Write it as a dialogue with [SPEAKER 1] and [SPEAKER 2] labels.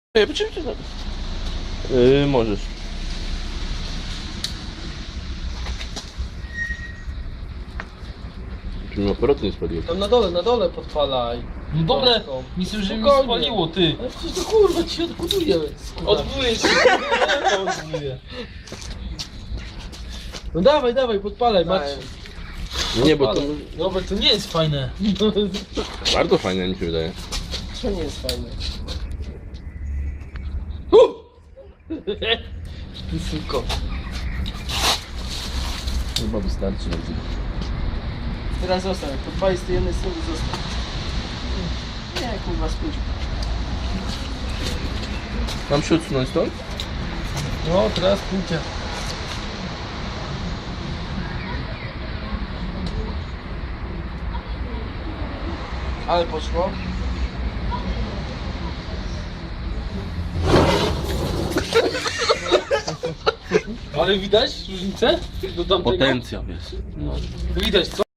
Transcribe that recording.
[SPEAKER 1] Możesz. Czy mi aparaty nie spaliło?
[SPEAKER 2] Tam na dole podpalaj.
[SPEAKER 3] No dobre,
[SPEAKER 2] Kostką.
[SPEAKER 3] myślę, że mi
[SPEAKER 2] Spokojnie.
[SPEAKER 3] spaliło, ty.
[SPEAKER 2] Ale przecież to kurwa ci się odbuduje.
[SPEAKER 3] Odbuduje się. Odbuduje.
[SPEAKER 2] No dawaj, podpalaj, Marcin.
[SPEAKER 1] Nie, bo to
[SPEAKER 3] Robert, to nie jest fajne.
[SPEAKER 1] bardzo fajne mi się wydaje.
[SPEAKER 2] To nie jest fajne. Ty suko.
[SPEAKER 1] Chyba wystarczy.
[SPEAKER 2] Teraz zostań, podpalić z tej jednej strony zostań. Nie, kurwa, spójrz.
[SPEAKER 1] Mam się odsunąć stąd?
[SPEAKER 2] No, teraz pójdzie. Ale poszło.
[SPEAKER 3] Ale widać różnicę? Do tamtego?
[SPEAKER 1] Potencjał jest.
[SPEAKER 3] Widać, co?